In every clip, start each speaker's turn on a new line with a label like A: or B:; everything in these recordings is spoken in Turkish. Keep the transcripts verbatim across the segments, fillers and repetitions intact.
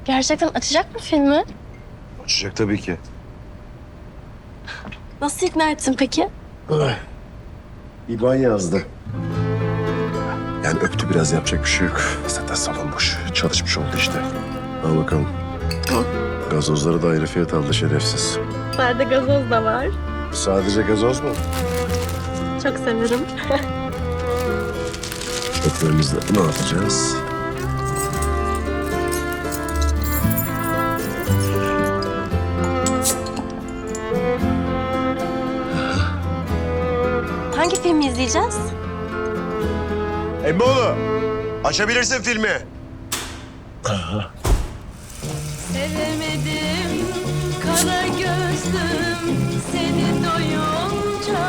A: Gerçekten açacak mı filmi?
B: Açacak tabii ki.
A: Nasıl ikna ettin peki?
B: İban yazdı. Yani öptü biraz, yapacak bir şey yok. Zaten salon boş. Çalışmış oldu işte. Al bakalım. Gazozları da ayrı fiyat aldı şerefsiz.
A: Sade gazoz da var.
B: Sadece gazoz mu?
A: Çok severim.
B: Çöplerimizle ne yapacağız?
A: Hangi filmi izleyeceğiz?
B: Emmoğlu, açabilirsin filmi.
C: Sevemedim kara gözlüm seni doyunca.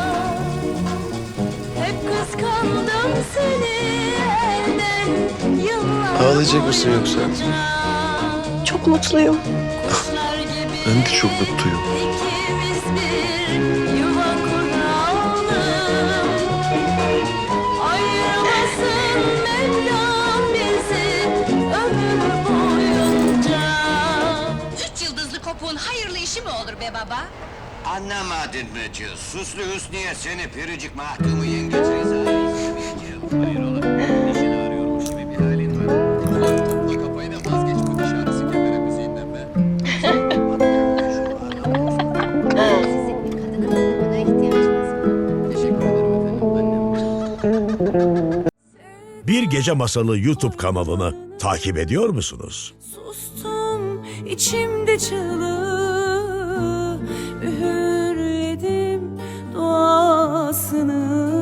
C: Hep kıskandım seni elden yıllar
B: Ağlayacak mısın yoksa?
C: boyunca.
A: Çok mutluyum.
C: Kuşlar gibi
B: Ben de çok mutluyum.
C: ikimiz bir yuva kuralım. Ayırmasın Mevlam bizi ömür boyunca.
D: Üç yıldızlı kopuğun hayırlı işi mi olur be baba?
E: Anlamadın mı cız? Suslu Hüsniye seni piricik mahkumu yengeç rezayı istemeyeceğim. Hayır oğlum, işini arıyormuş gibi bir halin var. Bu kafayı da vazgeç bu diş ağrısı kemere müziğinden be.
F: Sizin bir kadının buna ihtiyacınız var.
E: Teşekkür ederim efendim, annem.
G: Bir Gece Masalı YouTube kanalını takip ediyor musunuz?
C: Sustum içimde çığlığı üğürledim duasını.